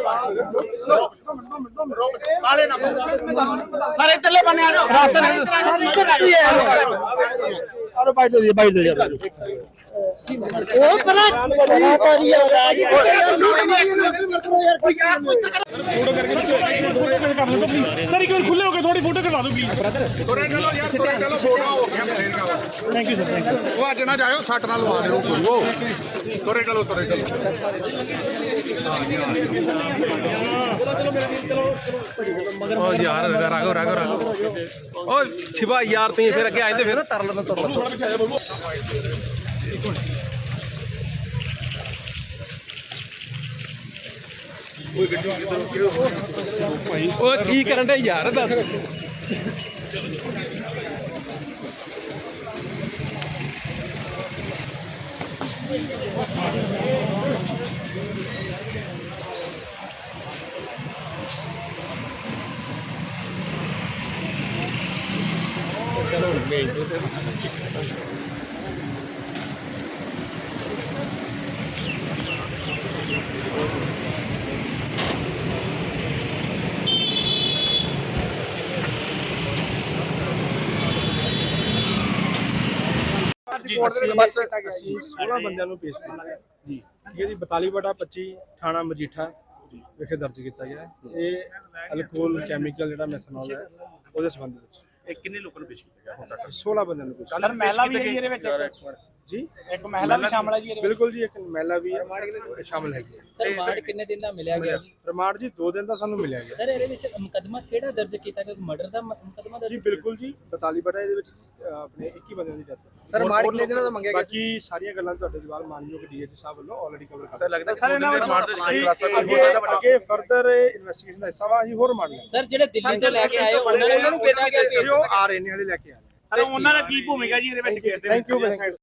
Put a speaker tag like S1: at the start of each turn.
S1: सारे इतने बने आ राशन अरे बाइट दे यार ओ पर
S2: फोटो करके सर एक बार खुले होकर थोड़ी फोटो करवा दो प्लीज
S3: ਤੁਰੇ ਚਲੋ ਯਾਰ ਤੁਰੇ ਚਲੋ ਫੋਟੋ ਹੋ ਗਿਆ ਬਥੇਰੀਆਂ
S2: thank you sir thank you
S3: ਉਹ ਅੱਜ ਨਾ ਜਾਇਓ ਸੱਟ ਨਾਲ ਲਵਾ ਦਿਓ ਕੋਈ ਉਹ ਤੁਰੇ ਚਲੋ
S4: ओ यार राघव राघव राघव ओ शिवा यार तुम फिर अगे आए फिर तरल में तरल ओ की करन दे यार दस चलो
S1: ਅਸੀਂ 16 ਬੰਦਿਆਂ ਨੂੰ ਪੇਸ਼ ਕੀਤਾ ਹੈ ਜੀ ਇਹਦੀ 42/25 ਥਾਣਾ ਮਜੀਠਾ ਵਿਖੇ ਦਰਜ ਕੀਤਾ ਗਿਆ ਹੈ। ਇਹ ਅਲਕੋਹਲ ਕੈਮੀਕਲ ਜਿਹੜਾ ਮੈਥਨੋਲ ਹੈ ਉਹਦੇ ਸੰਬੰਧ ਵਿੱਚ
S2: ਇਹ ਕਿੰਨੇ ਲੋਕਾਂ ਨੂੰ ਪੇਸ਼ ਕੀਤਾ ਗਿਆ ਹੁਣ ਤੱਕ
S1: 16 ਬੰਦਿਆਂ ਨੂੰ ਪੇਸ਼
S2: ਸਰ ਮਹਿਲਾ ਵੀ ਹੈ ਇਹਦੇ ਵਿੱਚ
S1: ਜੀ
S2: ਇੱਕ ਮਹਿਲਾ ਵੀ ਸ਼ਾਮਲ ਹੈ ਜੀ ਇਹਦੇ ਵਿੱਚ
S1: ਬਿਲਕੁਲ ਜੀ ਇੱਕ ਮਹਿਲਾ ਵੀ ਸ਼ਾਮਲ ਹੈਗੀ ਹੈ।
S5: ਸਰ ਰਿਮਾਂਡ ਕਿੰਨੇ ਦਿਨ ਦਾ ਮਿਲਿਆ ਗਿਆ ਜੀ?
S1: ਰਿਮਾਂਡ ਜੀ 2 ਦਿਨ ਦਾ ਸਾਨੂੰ ਮਿਲਿਆ ਗਿਆ
S5: ਸਰ ਇਹਦੇ ਵਿੱਚ ਮੁਕੱਦਮਾ ਕਿਹੜਾ ਦਰਜ ਕੀਤਾ ਗਿਆ? ਮਰਡਰ ਦਾ ਮੁਕੱਦਮਾ ਦਰਜ
S1: ਜੀ ਬਿਲਕੁਲ ਜੀ 42 ਇਹਦੇ ਵਿੱਚ ਆਪਣੇ 21 ਬੰਦਿਆਂ ਦੀ ਡੈਥ
S5: ਸਰ ਰਿਮਾਂਡ ਕਿੰਨੇ ਦਿਨਾਂ ਦਾ ਮੰਗਿਆ ਗਿਆ?
S1: ਬਾਕੀ ਸਾਰੀਆਂ ਗੱਲਾਂ ਤੁਹਾਡੇ ਜਵਾਬ ਮਾਨਯੋਗ ਡੀਏਜੀ ਸਾਹਿਬ ਵੱਲੋਂ ਆਲਰੇਡੀ ਕਵਰ ਕਰ
S4: सर लगता है
S1: ਅੱਗੇ ਫਰਦਰ ਇਨਵੈਸਟੀਗੇਸ਼ਨ ਦਾ ਹਿੱਸਾ ਵਾ ਅਸੀਂ ਹੋਰ ਮੰਨ ਲਿਆ
S5: ਸਰ ਜਿਹੜੇ ਦਿੱਲੀ ਤੋਂ ਲੈ ਕੇ ਆਏ ਉਹਨਾਂ ਨੂੰ ਪੇਸ਼ ਕੀਤਾ ਗਿਆ
S1: ਜੋ ਆ ਰਹੇ ਨੇ ਹਲੇ ਲੈ ਕੇ ਆ ਰਹੇ
S2: ਸਰ ਉਹਨਾਂ ਦਾ ਕੀ ਭੂਮਿਕਾ ਜੀ ਇਹਦੇ ਵਿੱਚ ਖੇਡਦੇ
S1: ਥੈਂਕ ਯੂ